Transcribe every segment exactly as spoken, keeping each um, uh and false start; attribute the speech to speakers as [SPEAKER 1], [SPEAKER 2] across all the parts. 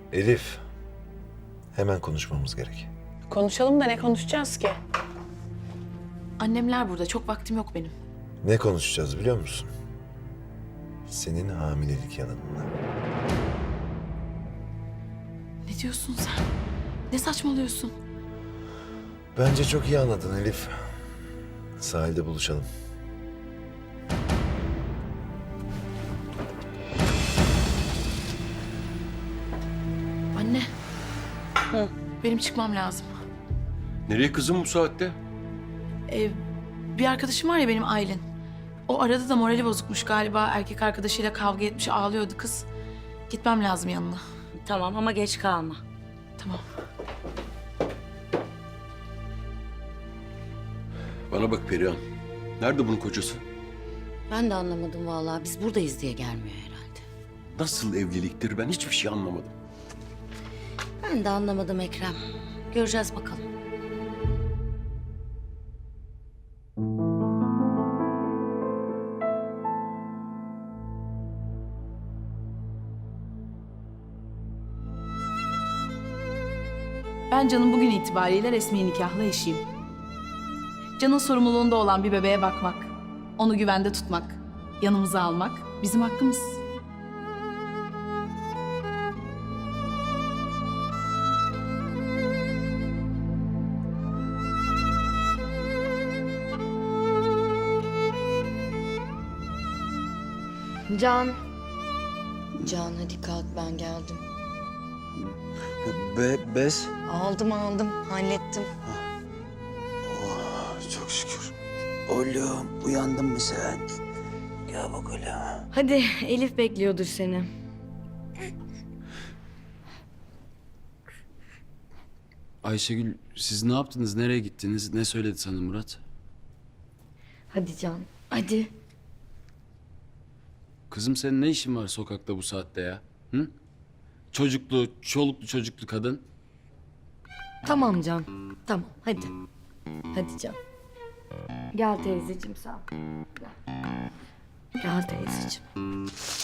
[SPEAKER 1] Elif, hemen konuşmamız gerek.
[SPEAKER 2] Konuşalım da ne konuşacağız ki?
[SPEAKER 3] Annemler burada. Çok vaktim yok benim.
[SPEAKER 1] Ne konuşacağız biliyor musun? Senin hamilelik yalanını.
[SPEAKER 3] Ne diyorsun sen? Ne saçmalıyorsun?
[SPEAKER 1] Bence çok iyi anladın Elif. Sahilde buluşalım.
[SPEAKER 3] Anne. Hı. Benim çıkmam lazım.
[SPEAKER 4] Nereye kızım bu saatte?
[SPEAKER 3] Ee, bir arkadaşım var ya benim, Aylin. O arada da morali bozukmuş galiba. Erkek arkadaşıyla kavga etmiş, ağlıyordu kız. Gitmem lazım yanına.
[SPEAKER 5] Tamam ama geç kalma.
[SPEAKER 3] Tamam.
[SPEAKER 4] Bana bak Perihan. Nerede bunun kocası?
[SPEAKER 5] Ben de anlamadım vallahi. Biz buradayız diye gelmiyor herhalde.
[SPEAKER 4] Nasıl evliliktir ben hiçbir şey anlamadım.
[SPEAKER 5] Ben de anlamadım Ekrem. Göreceğiz bakalım.
[SPEAKER 3] Ben Can'ın bugün itibariyle resmi nikahlı eşiyim. Can'ın sorumluluğunda olan bir bebeğe bakmak, onu güvende tutmak, yanımıza almak bizim hakkımız.
[SPEAKER 6] Can. Can hadi kalk, ben geldim.
[SPEAKER 7] Be bez.
[SPEAKER 6] Aldım aldım hallettim.
[SPEAKER 7] Oh, çok şükür. Oğlum uyandın mı sen? Gel bakalım.
[SPEAKER 6] Hadi Elif bekliyordur seni.
[SPEAKER 8] Ayşegül, siz ne yaptınız? Nereye gittiniz? Ne söyledi sana Murat?
[SPEAKER 6] Hadi Can hadi.
[SPEAKER 8] Kızım senin ne işin var sokakta bu saatte ya? Hı? Çocuklu, çoluklu çocuklu kadın.
[SPEAKER 6] Tamam Can tamam hadi. Hadi Can. Gel teyzeciğim sen. Gel, Gel teyzeciğim.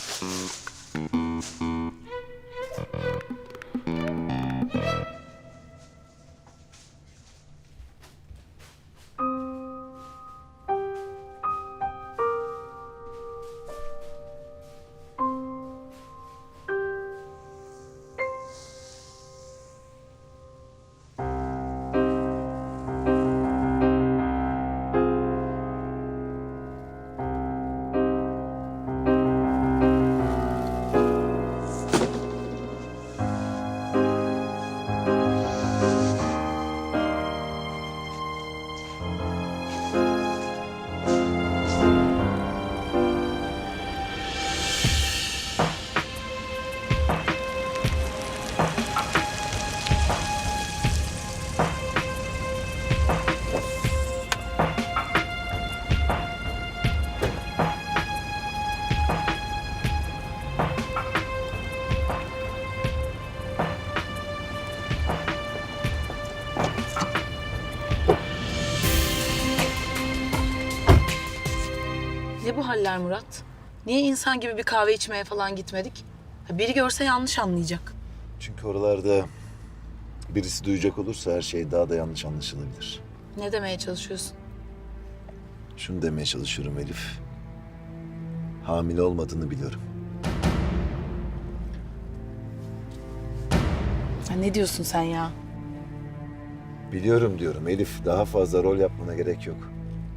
[SPEAKER 3] Ne bu haller Murat? Niye insan gibi bir kahve içmeye falan gitmedik? Ha, biri görse yanlış anlayacak.
[SPEAKER 1] Çünkü oralarda birisi duyacak olursa her şey daha da yanlış anlaşılabilir.
[SPEAKER 3] Ne demeye çalışıyorsun?
[SPEAKER 1] Şunu demeye çalışıyorum Elif. Hamile olmadığını biliyorum.
[SPEAKER 3] Ha, ne diyorsun sen ya?
[SPEAKER 1] Biliyorum diyorum Elif. Daha fazla rol yapmana gerek yok.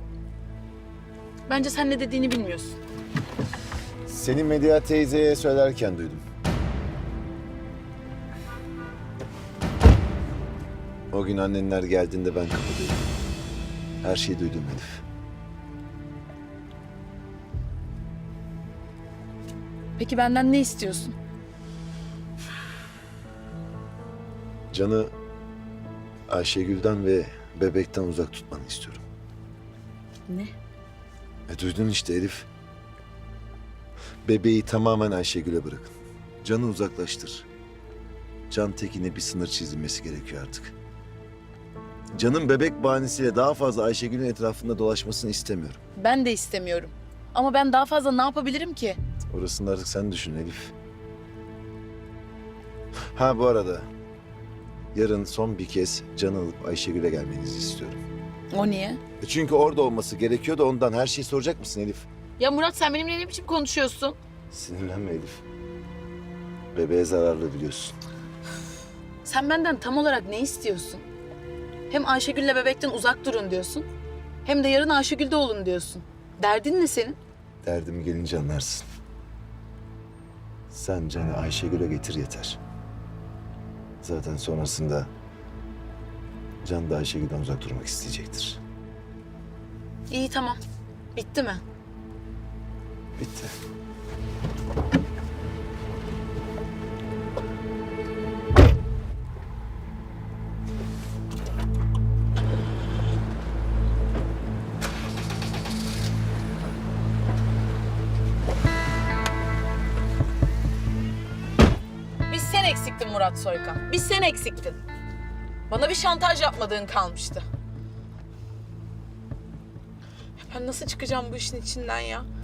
[SPEAKER 3] Bence sen ne dediğini bilmiyorsun.
[SPEAKER 1] Seni Medya teyzeye söylerken duydum. O gün annenler geldiğinde ben kapıdaydım. Her şeyi duydum Elif.
[SPEAKER 3] Peki benden ne istiyorsun?
[SPEAKER 1] Can'ı Ayşegül'den ve bebekten uzak tutmanı istiyorum.
[SPEAKER 3] Ne?
[SPEAKER 1] E duydun işte Elif. Bebeği tamamen Ayşegül'e bırakın. Can'ı uzaklaştır. Can Tekin'e bir sınır çizilmesi gerekiyor artık. Can'ın bebek bahanesiyle daha fazla Ayşegül'ün etrafında dolaşmasını istemiyorum.
[SPEAKER 3] Ben de istemiyorum. Ama ben daha fazla ne yapabilirim ki?
[SPEAKER 1] Orasını artık sen düşün Elif. Ha bu arada yarın son bir kez Can'ı alıp Ayşegül'e gelmenizi istiyorum.
[SPEAKER 3] O niye?
[SPEAKER 1] E Çünkü orada olması gerekiyor da ondan her şeyi soracak mısın Elif?
[SPEAKER 3] Ya Murat sen benimle ne biçim konuşuyorsun?
[SPEAKER 1] Sinirlenme Elif. Bebeğe zararlı biliyorsun.
[SPEAKER 3] Sen benden tam olarak ne istiyorsun? Hem Ayşegül'le bebekten uzak durun diyorsun. Hem de yarın Ayşegül'de olun diyorsun. Derdin ne senin?
[SPEAKER 1] Derdimi gelince anlarsın. Sen Can'ı Ayşegül'e getir yeter. Zaten sonrasında Can da Ayşegül'den uzak durmak isteyecektir.
[SPEAKER 3] İyi tamam. Bitti mi?
[SPEAKER 1] Bitti.
[SPEAKER 3] Biz sen eksiktin Murat Soykan. Biz sen eksiktin. Bana bir şantaj yapmadığın kalmıştı. Ben nasıl çıkacağım bu işin içinden ya?